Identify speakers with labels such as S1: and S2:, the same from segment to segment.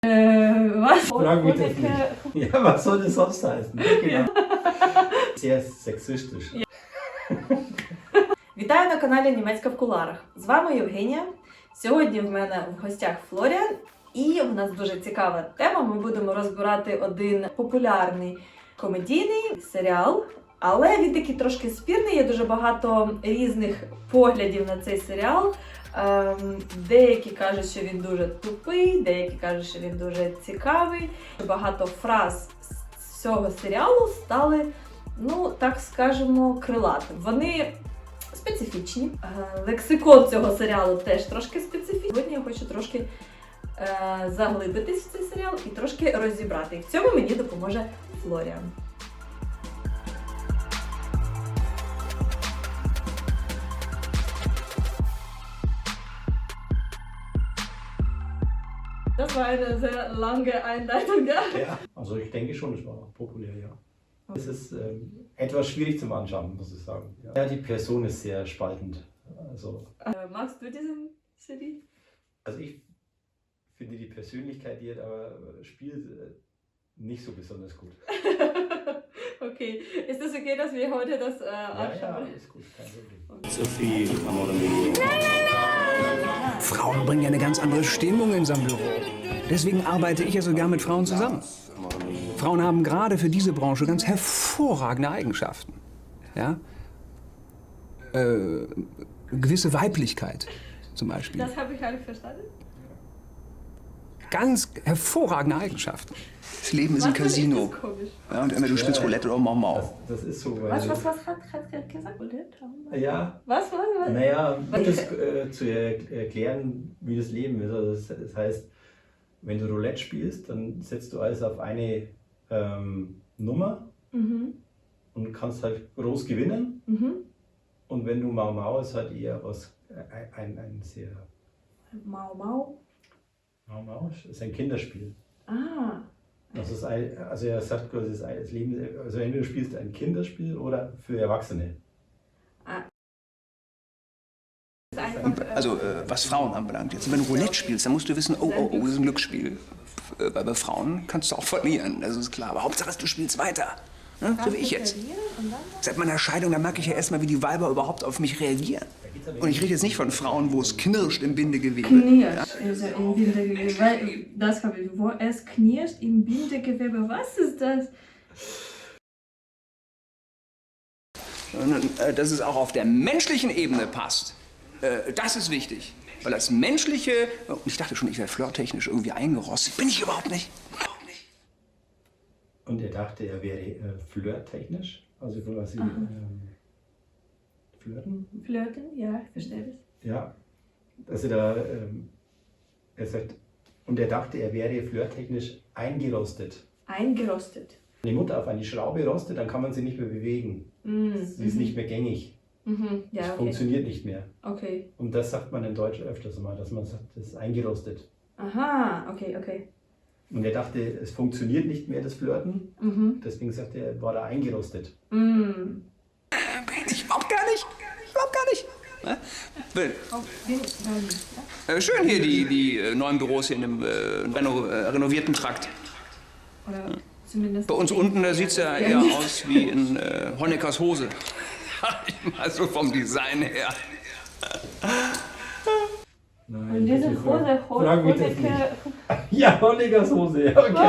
S1: Was?
S2: Frag mich das nicht. Ja, was soll das sonst heißen? Genau. Sehr sexistisch.
S1: Вітаю на каналі Німецька в куларах. З вами Євгенія. Сьогодні в мене в гостях Флоріан. І в нас дуже цікава тема. Ми будемо розбирати один популярний комедійний серіал. Але він такий трошки спірний, є дуже багато різних поглядів на цей серіал. Деякі кажуть, що він дуже тупий, деякі кажуть, що він дуже цікавий. Багато фраз з цього серіалу стали, ну, так скажемо, крилатим. Вони специфічні. Лексикон цього серіалу теж трошки специфічний. Сьогодні я хочу трошки заглибитись в цей серіал і трошки розібрати. І в цьому мені допоможе Флоріан. Das war eine sehr lange Einleitung, ja?
S2: Ja, also ich denke schon, es war auch populär, ja. Es ist etwas schwierig zum Anschauen, muss ich sagen. Ja, die Person ist sehr spaltend. Also,
S1: Magst du diesen Serie?
S2: also ich finde die Persönlichkeit, die er aber spielt, nicht so besonders gut.
S1: Okay, ist das okay, dass wir heute das
S2: Ja,
S1: anschauen?
S2: ist gut, kein Problem.
S3: Sophie, Amore mio.
S4: Frauen bringen ja eine ganz andere Stimmung in unserem Büro. Deswegen arbeite ich ja sogar mit Frauen zusammen. Frauen haben gerade für diese Branche ganz hervorragende Eigenschaften. Ja? Gewisse Weiblichkeit zum Beispiel.
S1: Das habe ich alle verstanden.
S4: Ganz hervorragende Eigenschaften.
S3: Das Leben ist ein Casino.
S1: Das ist komisch.
S3: Ja, und entweder du spielst Roulette oder Mau Mau.
S2: Das ist so, weil...
S1: Was hat er gesagt?
S2: Ja,
S1: Was?
S2: naja, um das zu erklären, wie das Leben ist. Also das heißt, wenn du Roulette spielst, dann setzt du alles auf eine Nummer und kannst halt groß gewinnen. Und wenn du Mau Mau ist halt eher was, ein sehr...
S1: Mau Mau.
S2: Mau Mau ist ein Kinderspiel.
S1: Ah.
S2: Also er sagt quasi, das Leben, also entweder du spielst ein Kinderspiel oder für Erwachsene.
S3: Also, was Frauen anbelangt. Jetzt, wenn du Roulette spielst, dann musst du wissen, oh, das ist ein Glücksspiel. Bei Frauen kannst du auch verlieren, das ist klar. Aber Hauptsache, du spielst weiter. Ne? So wie ich jetzt. Seit meiner Scheidung, da merke ich ja erstmal, wie die Weiber überhaupt auf mich reagieren. Und ich rede jetzt nicht von Frauen, wo es knirscht im Bindegewebe.
S1: Knirscht, also im Bindegewebe. Das habe ich. Wo es knirscht im Bindegewebe. Was ist das?
S3: Dass es auch auf der menschlichen Ebene passt. Das ist wichtig. Weil das Menschliche, und ich dachte schon, ich werde flirttechnisch irgendwie eingerostet. Bin ich überhaupt nicht.
S2: Und er dachte, er wäre flirttechnisch, also quasi flirten.
S1: Flirten, ja, ich verstehe das.
S2: Ja, also da, er sagt, und er dachte, er wäre flirttechnisch eingerostet.
S1: Eingerostet.
S2: Wenn die Mutter auf eine Schraube rostet, dann kann man sie nicht mehr bewegen. Sie ist nicht mehr gängig.
S1: Ja,
S2: Das
S1: okay.
S2: funktioniert nicht mehr.
S1: Okay.
S2: Und das sagt man in Deutsch öfters mal, dass man sagt, das ist eingerostet.
S1: Aha, okay.
S2: Und er dachte, es funktioniert nicht mehr, das Flirten. Deswegen sagt er, war da eingerostet.
S3: Ich überhaupt gar nicht. Überhaupt gar nicht. Ne? Schön hier die neuen Büros hier in dem renovierten Trakt.
S1: Oder zumindest.
S3: Bei uns unten, da sieht es ja eher aus wie in Honeckers Hose. Mal so vom Design her.
S2: Nein,
S1: Und diese Hose,
S2: frag mich das nicht.
S1: Honecker.
S2: Ja, Honeckers Hose, ja, okay.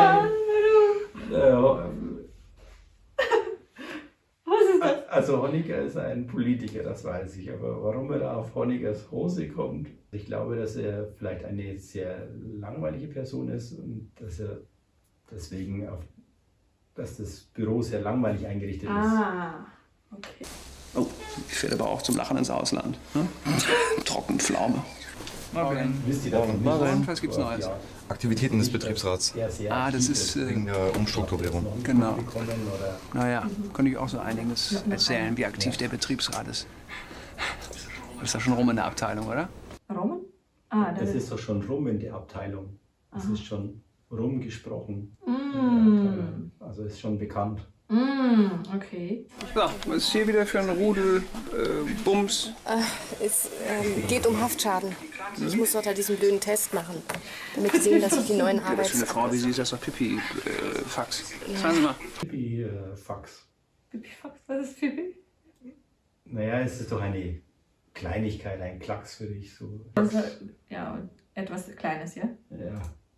S1: Was ist das?
S2: Also Honecker ist ein Politiker, das weiß ich. Aber warum er da auf Honeckers Hose kommt, ich glaube, dass er vielleicht eine sehr langweilige Person ist und dass er deswegen dass das Büro sehr langweilig eingerichtet ist.
S1: Ah, okay.
S3: Oh, ich fährt aber auch zum Lachen ins Ausland. Ne? Trockenpflaume.
S4: Morgen.
S2: Wisst ihr davon?
S4: Morgen. Was gibt's Neues?
S2: Ja,
S5: Aktivitäten des Betriebsrats
S3: Ah, das ist
S5: wegen der Umstrukturierung.
S3: Genau.
S2: Oder
S3: Naja, könnte ich auch so einiges erzählen, wie aktiv der Betriebsrat ist. Das ist ja schon rum in der Abteilung, oder?
S1: Roman? Ah,
S2: das ist doch schon rum in der Abteilung. Das ist schon rumgesprochen.
S1: Mm.
S2: Also ist schon bekannt.
S1: Okay.
S3: So, was ist hier wieder für ein Rudel Bums?
S6: Es geht um Haftschaden. Ich muss dort halt diesen blöden Test machen, damit sie sehen, dass ich die neuen
S3: Ja, das für eine
S6: Arbeits...
S3: Frau wie sie ist das doch Pipi-Fax. Sagen Sie mal.
S2: Fax.
S1: Pipifax, was ist Pipi?
S2: Naja, es ist doch eine Kleinigkeit, ein Klacks für dich. So.
S1: Also, ja, etwas Kleines, ja?
S2: Ja.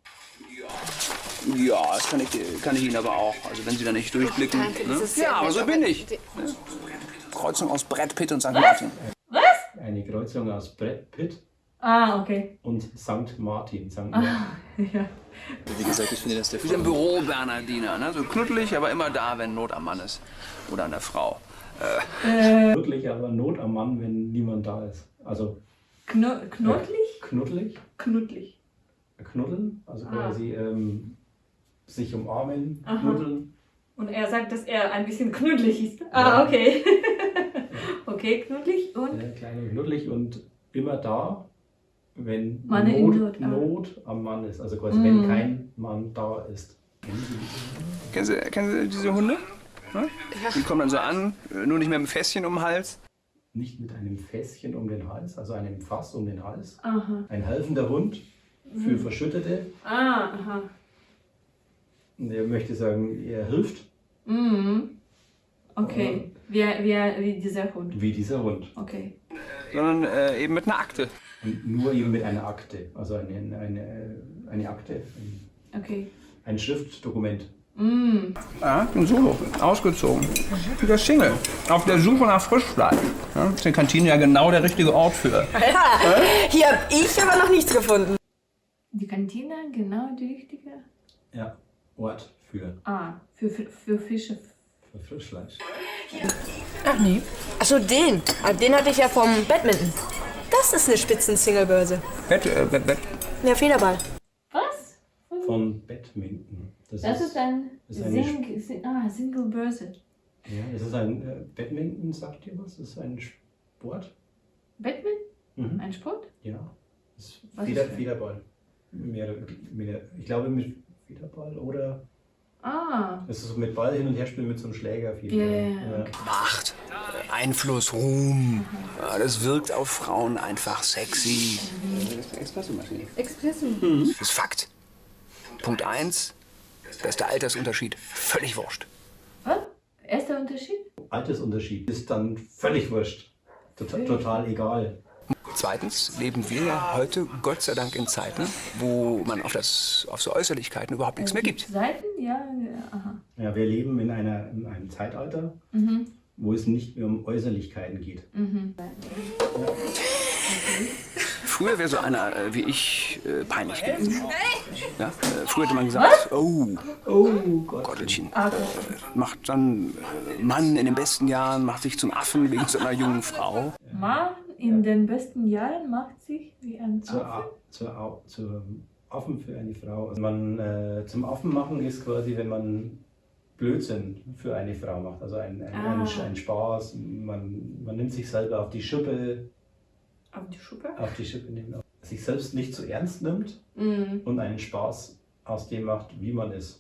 S3: Ja, das kann ich Ihnen aber auch. Also wenn Sie da nicht durchblicken.
S6: Danke, das
S3: Ne?
S6: ist sehr
S3: Ja, aber
S6: nett,
S3: so
S6: aber
S3: bin ich.
S6: die-
S3: Kreuzung aus Brad Pitt und St. Martin.
S2: Eine Kreuzung aus Brad Pitt
S1: Ah, okay.
S2: und St. Martin.
S1: Ja.
S5: Wie gesagt, ich finde, dass der
S3: Wie so ein Büro-Bernardiner. Ne? So knuddelig, aber immer da, wenn Not am Mann ist. Oder an der Frau.
S2: Wirklich aber Not am Mann, wenn niemand da ist. Also
S1: Knuddelig?
S2: knuddelig,
S1: Knuddelig.
S2: knuddeln, also quasi sich umarmen,
S1: Aha.
S2: knuddeln.
S1: Und er sagt, dass er ein bisschen knuddelig ist. Ah, okay. Okay, knuddelig und?
S2: Klein und knuddelig und immer da, wenn
S1: Mann in
S2: Not,
S1: Not,
S2: Not am Mann ist. Also quasi, wenn kein Mann da ist.
S3: Kennen Sie diese Hunde? Ne? Die kommen dann so an, nur nicht mehr mit dem Fässchen um den Hals.
S2: Nicht mit einem Fässchen um den Hals, also einem Fass um den Hals.
S1: Aha.
S2: Ein helfender Hund für Verschüttete.
S1: Ah, aha.
S2: Und er möchte sagen, er hilft,
S1: Mhm. Okay. Wie dieser Hund.
S2: wie dieser Hund.
S1: Okay.
S3: Sondern eben mit einer Akte.
S2: Und nur eben mit einer Akte. Also eine Akte,
S1: Okay.
S2: ein Schriftdokument.
S3: Ja, bin solo, ausgezogen. Wieder Single, auf der Suche nach Frischfleisch. Ja, ist die Kantine ja genau der richtige Ort für.
S6: Ja, hier hab ich aber noch nichts gefunden.
S1: Die Kantine, genau die richtige.
S2: Ja, Ort für
S1: Für Fische.
S2: Frischfleisch.
S6: Ach nee. Achso, den. Den hatte ich ja vom Badminton. Das ist eine Spitzen-Singlebörse.
S3: Bett.
S6: Ja, Federball.
S1: Was?
S2: Von Badminton.
S1: Das ist ein
S2: das ist eine
S1: Single Börse.
S2: Ja, das ist ein Badminton, sagt ihr was? Das ist ein Sport.
S1: Badminton? Ein Sport?
S2: Ja. Das ist
S1: Was ist das?
S2: Federball. Ich glaube mit Federball oder es ist so mit Ball hin und her spielen mit so einem Schläger.
S1: Ja.
S3: Macht, Einfluss, Ruhm. Ja, das wirkt auf Frauen einfach sexy. Espressomaschine.
S6: Espresso.
S3: Das ist Fakt. Punkt 1, bester Altersunterschied, völlig wurscht.
S1: Was? Erster Unterschied?
S2: Altersunterschied ist dann völlig wurscht. Total egal.
S3: Zweitens leben wir ja heute Gott sei Dank in Zeiten, wo man auf so Äußerlichkeiten überhaupt nichts mehr gibt.
S1: Seiten? Ja, aha.
S2: Ja, wir leben in einem Zeitalter, wo es nicht mehr um Äußerlichkeiten geht.
S3: Früher wäre so einer wie ich peinlich gewesen. Ja? Früher hätte man gesagt, oh Gottelchen. Macht dann Mann in den besten Jahren, macht sich zum Affen wegen so einer jungen Frau.
S1: Mann in den besten Jahren macht sich wie ein Affe.
S2: Zur Affen für eine Frau. Also zum Affen machen ist quasi, wenn man Blödsinn für eine Frau macht. Also ein Spaß. Man nimmt sich selber auf die Schippe.
S1: Auf die Schuppe?
S2: Auf die Schippe nehmen. Sich selbst nicht zu ernst nimmt und einen Spaß aus dem macht, wie man ist.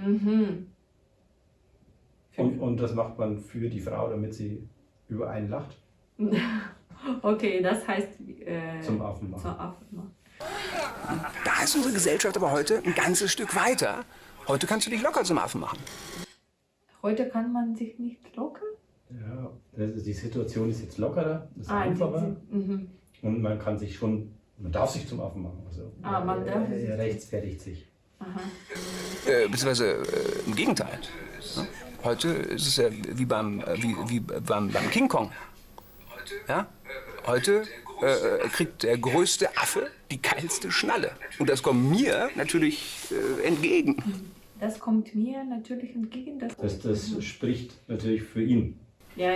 S2: Und das macht man für die Frau, damit sie über einen lacht.
S1: Okay, das heißt
S2: Zum Affen machen.
S1: Zum Affen machen.
S3: Da ist unsere Gesellschaft aber heute ein ganzes Stück weiter. Heute kannst du dich locker zum Affen machen.
S1: Heute kann man sich nicht locker?
S2: Ja, die Situation ist jetzt lockerer, ist einfacher. Und man darf sich zum Affen machen. Also,
S1: man darf sich.
S2: er rechtfertigt sich.
S3: Beziehungsweise im Gegenteil. Ja? Heute ist es ja wie beim King Kong. Ja? Heute kriegt der größte Affe die geilste Schnalle. Und das kommt mir natürlich entgegen.
S1: Das kommt mir natürlich entgegen.
S2: Das spricht natürlich für ihn.
S1: Ja.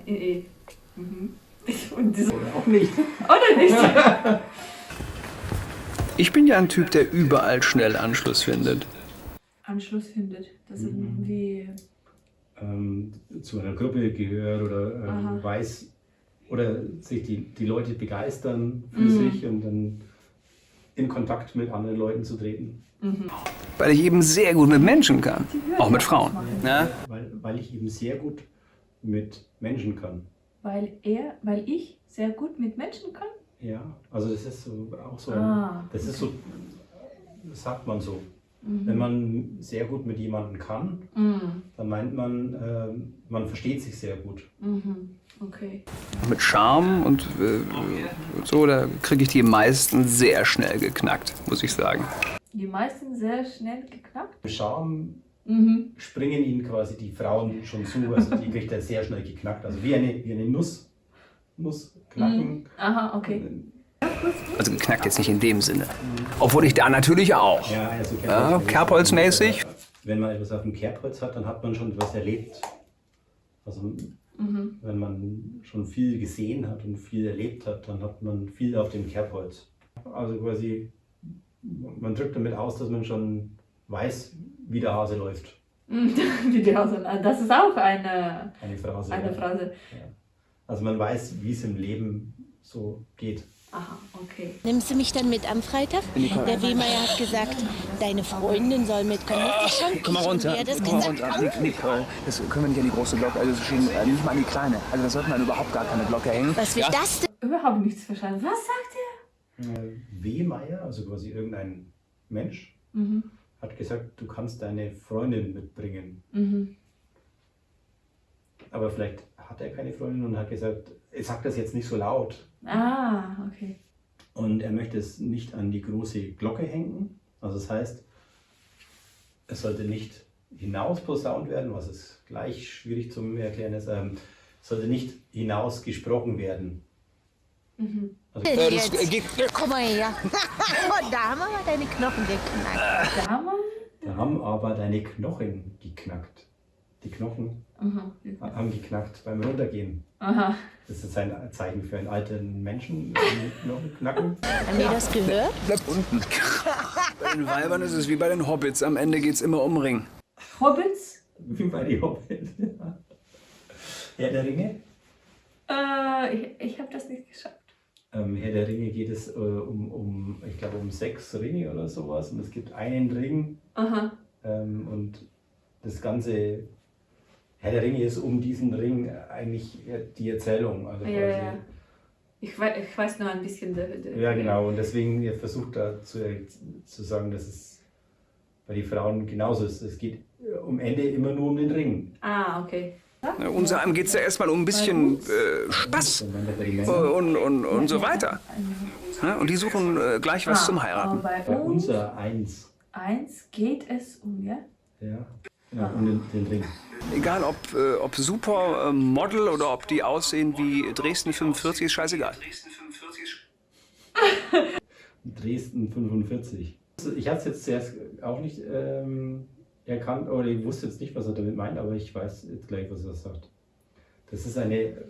S1: Und das
S2: Oder auch nicht.
S1: oder nicht?
S3: Ich bin ja ein Typ, der überall schnell Anschluss findet.
S1: Anschluss findet. Das ist wie.
S2: Zu einer Gruppe gehört oder weiß oder sich die Leute begeistern für sich und dann in Kontakt mit anderen Leuten zu treten.
S3: Weil ich eben sehr gut mit Menschen kann. Auch mit Frauen. Ja?
S2: weil ich eben sehr gut mit Menschen kann.
S1: Weil ich sehr gut mit Menschen kann?
S2: Ja, also das ist so, auch so, das ist so, das sagt man so. Wenn man sehr gut mit jemandem kann, dann meint man, man versteht sich sehr gut.
S1: Okay.
S4: Mit Charme und so, da kriege ich die meisten sehr schnell geknackt, muss ich sagen.
S1: Die meisten sehr schnell geknackt?
S2: Mit Charme springen ihnen quasi die Frauen schon zu, also die kriegt er sehr schnell geknackt. Also wie eine Nuss knacken.
S1: Aha, okay.
S4: Also geknackt jetzt nicht in dem Sinne. Obwohl ich da natürlich auch.
S2: Ja, also
S4: Kerbholzmäßig.
S2: Wenn man etwas auf dem Kerbholz hat, dann hat man schon etwas erlebt. Also wenn man schon viel gesehen hat und viel erlebt hat, dann hat man viel auf dem Kerbholz. Also quasi, man drückt damit aus, dass man schon weiß, wie der Hase läuft.
S1: Wie die Hase. Das ist auch eine
S2: Phrase.
S1: Eine Phrase.
S2: Ja. Also man weiß, wie es im Leben so geht.
S1: Aha, okay.
S7: Nimmst du mich dann mit am Freitag? Der Wehmeier hat gesagt, deine Freundin soll mitkommen.
S3: Komm mal runter. Komm mal runter. Nicole, das können wir nicht an die große Glocke, also nicht mal an die kleine. Also da sollte man überhaupt gar keine Glocke hängen.
S7: Was will das denn?
S1: Überhaupt nichts verstanden. Was sagt er?
S2: Wehmeier, also quasi irgendein Mensch, hat gesagt, du kannst deine Freundin mitbringen. Aber vielleicht hat er keine Freundin und hat gesagt, er sagt das jetzt nicht so laut.
S1: Ah, okay.
S2: Und er möchte es nicht an die große Glocke hängen. Also das heißt, es sollte nicht hinaus posaunt werden, was es gleich schwierig zum Erklären ist. Es sollte nicht hinaus gesprochen werden. Also,
S7: Komm mal her. Da haben wir mal deine Knochen geknackt.
S2: da haben aber deine Knochen geknackt. Die Knochen haben geknackt beim Runtergehen.
S1: Aha.
S2: Das ist ein Zeichen für einen alten Menschen, Knochen knacken.
S7: Haben die das gehört?
S4: Bleib unten. Bei den Weibern ist es wie bei den Hobbits. Am Ende geht es immer um Ring.
S1: Hobbits?
S2: Wie bei die Hobbits. Herr der Ringe?
S1: Ich habe das nicht geschafft.
S2: Herr der Ringe geht es ich glaube, um 6 Ringe oder sowas. Und es gibt einen Ring.
S1: Aha.
S2: Und das ganze Herr der Ringe ist um diesen Ring eigentlich die Erzählung. Also
S1: Ja,
S2: quasi,
S1: ja. Ich weiß nur ein bisschen.
S2: Ja, genau. Und deswegen versucht er zu sagen, dass es bei den Frauen genauso ist. Es geht am Ende immer nur um den Ring.
S1: Ah, okay.
S4: Unser geht es ja erstmal um ein bisschen Spaß
S2: Und dann bei den Männern.
S4: und so weiter. Ja, und die suchen gleich was zum Heiraten.
S1: Bei
S2: Bei
S1: uns
S2: unser Eins.
S1: geht es um, ja?
S2: Ja, genau, um den Ring.
S4: Egal ob Supermodel oder ob die aussehen wie Dresden 45, ist scheißegal.
S2: Dresden 45. Also ich habe es jetzt zuerst auch nicht erkannt, oder ich wusste jetzt nicht, was er damit meint, aber ich weiß jetzt gleich, was er sagt. Das ist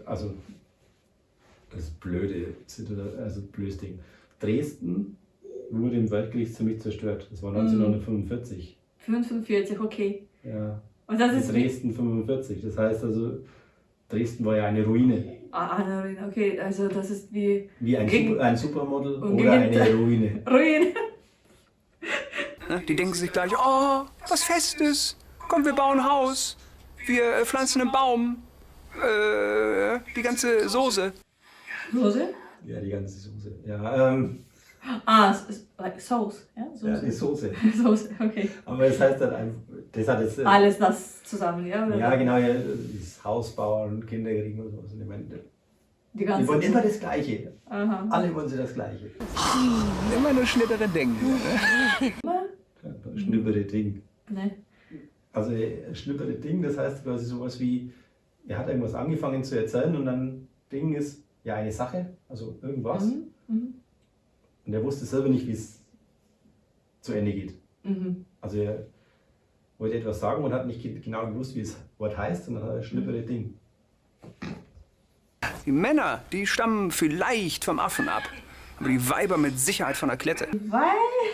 S2: das blöde, also blödes Ding. Dresden wurde im Weltkrieg ziemlich zerstört. Das war 1945.
S1: 45, okay.
S2: Ja.
S1: Und das ist
S2: Dresden 45. Das heißt also, Dresden war ja eine Ruine.
S1: Okay, also das ist wie
S2: Wie ein Supermodel
S1: Und
S2: oder
S1: gegen-
S2: eine Ruine.
S1: Ruin.
S4: Die denken sich gleich, oh, was Festes. Komm, wir bauen ein Haus. Wir pflanzen einen Baum. Die ganze Soße.
S1: Soße?
S2: Ja, die ganze Soße.
S1: Es ist like Sauce, ja?
S2: Ja,
S1: Soße.
S2: die Soße.
S1: Soße, okay.
S2: Aber es heißt dann einfach, das hat jetzt.
S1: Alles das zusammen, ja?
S2: Ja, genau, ja, das Haus bauen, Kinder kriegen und sowas. Und ich meine,
S1: Die
S2: die
S1: ganze.
S2: wollen immer das Gleiche.
S1: Aha.
S2: Alle wollen sie das Gleiche.
S4: Immer nur schnittere Dinge.
S2: Schnippere Ding.
S1: Ne.
S2: Also schnippere Ding, das heißt quasi sowas wie, er hat irgendwas angefangen zu erzählen und dann Ding ist ja eine Sache, also irgendwas. Und er wusste selber nicht, wie es zu Ende geht. Also er wollte etwas sagen und hat nicht genau gewusst, wie das Wort heißt, und dann hat er schnippere Ding.
S4: Die Männer, die stammen vielleicht vom Affen ab. Aber die Weiber mit Sicherheit von der Klette.
S1: Weil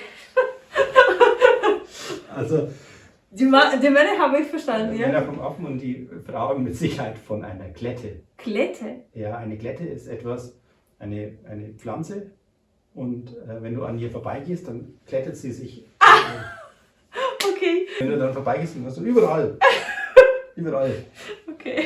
S2: Also
S1: die Männer habe ich verstanden,
S2: die
S1: ja?
S2: Männer vom Affen und die Frauen mit Sicherheit von einer Klette.
S1: Klette.
S2: Ja, eine Klette ist eine Pflanze, und wenn du an ihr vorbeigehst, dann klettet sie sich.
S1: Okay.
S2: Wenn du dann vorbeigehst, dann hast du überall Überall.
S1: Okay.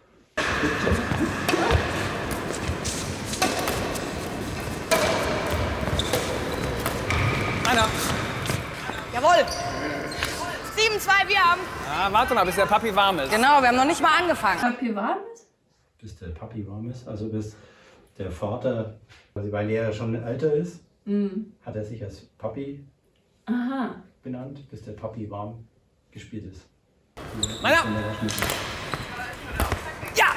S4: Einer.
S8: Jawohl. 7-2, wir haben.
S4: Ah, warte mal, bis der Papi warm ist.
S8: Genau, wir haben noch nicht mal angefangen.
S1: Papi warm ist?
S2: Bis der Papi warm ist, also bis der Vater, also weil er schon älter ist, hat er sich als Papi
S1: Aha.
S2: benannt, bis der Papi warm gespielt ist.
S4: Meiner.
S8: Ja!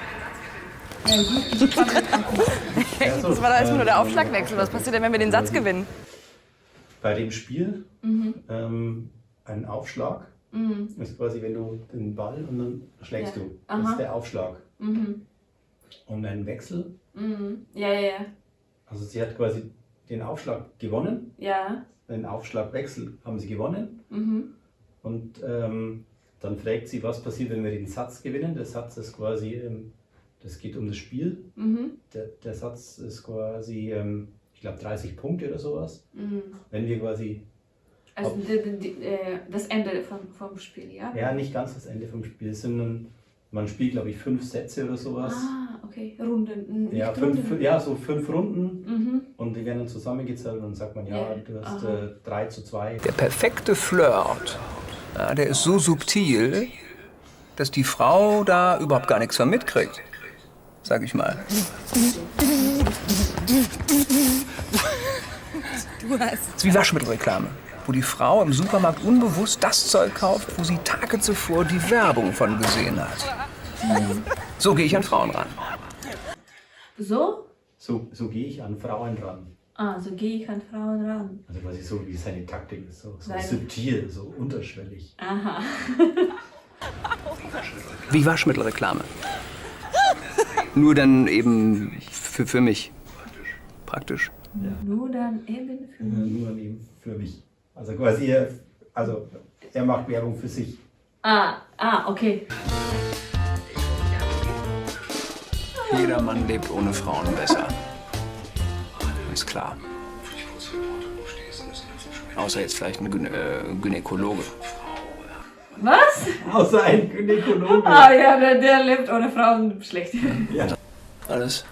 S8: Das war da erstmal nur der Aufschlagwechsel. Was passiert denn, wenn wir den Satz gewinnen?
S2: Bei dem Spiel ein Aufschlag ist quasi, wenn du den Ball und dann schlägst
S1: Ja.
S2: du. Das
S1: Aha.
S2: ist der Aufschlag.
S1: Mhm.
S2: Und ein Wechsel,
S1: Ja, ja, ja.
S2: also sie hat quasi den Aufschlag gewonnen,
S1: Ja.
S2: den Aufschlagwechsel haben sie gewonnen.
S1: Mhm.
S2: Und dann fragt sie, was passiert, wenn wir den Satz gewinnen. Der Satz ist quasi, das geht um das Spiel.
S1: Mhm.
S2: Der Satz ist quasi, ich glaube 30 Punkte oder sowas.
S1: Mhm.
S2: Wenn wir quasi,
S1: Also das Ende vom Spiel, ja?
S2: ja, nicht ganz das Ende vom Spiel, sondern man spielt, glaube ich, 5 Sätze oder sowas.
S1: Ah, okay. Runden. Nicht
S2: Ja,
S1: Runden.
S2: so 5 Runden.
S1: Mhm.
S2: Und die werden dann zusammengezählt und dann sagt man, ja,
S1: Ja.
S2: du hast
S1: Aha.
S2: 3:2.
S4: Der perfekte Flirt, ja, der ist so subtil, dass die Frau da überhaupt gar nichts von mitkriegt. Sag ich mal. Das ist wie Waschmittelreklame, wo die Frau im Supermarkt unbewusst das Zeug kauft, wo sie Tage zuvor die Werbung von gesehen hat. So gehe ich an Frauen ran.
S1: So?
S2: So gehe ich an Frauen ran.
S1: Ah, so gehe ich an Frauen ran.
S2: Also quasi so wie seine Taktik ist, so
S1: Seine-
S2: subtil, so unterschwellig.
S1: Aha.
S4: Wie Waschmittelreklame. Nur dann eben für mich. Praktisch.
S1: Nur dann eben für mich.
S2: Nur eben für mich. Also quasi, er macht Werbung für sich.
S1: Okay.
S4: Jeder Mann lebt ohne Frauen besser. Ist klar. Außer jetzt vielleicht ein Gynäkologe.
S1: Was?
S2: Außer ein Gynäkologe.
S1: Ah ja, der lebt ohne Frauen schlecht.
S2: Ja.
S4: Alles.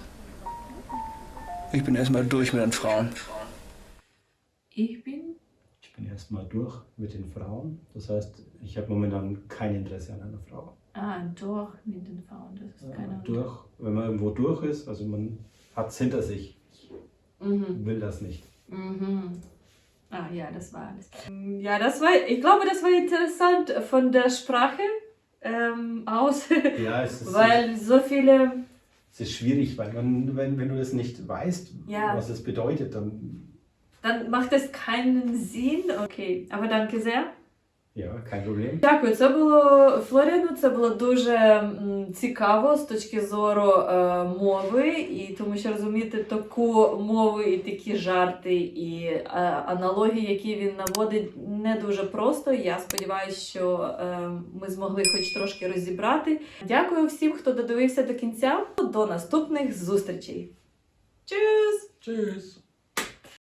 S4: Ich bin erstmal durch mit den Frauen.
S1: Ich bin?
S2: Ich bin erstmal durch mit den Frauen. Das heißt, ich habe momentan kein Interesse an einer Frau.
S1: Durch mit den Frauen. Das ist keine
S2: Durch, wenn man irgendwo durch ist, also man hat es hinter sich. Ich will das nicht.
S1: Mhm. Ah ja, das war alles. Ja, ich glaube, das war interessant von der Sprache aus.
S2: Ja, es ist,
S1: Weil so viele.
S2: es ist schwierig, weil wenn du das nicht weißt,
S1: Ja.
S2: was es bedeutet, dann
S1: Dann macht es keinen Sinn. Окей. Aber danke sehr.
S2: ja, kein Problem.
S1: Дякую, це було Флоріану, це було дуже цікаво з точки зору мови, і тому що розуміти таку мову і такі жарти і аналогії, які він наводить, не дуже просто. Я сподіваюся, що ми змогли хоч трошки розібрати. Дякую всім, хто додивився до кінця. До наступних зустрічей. Tschüss!
S2: Tschüss.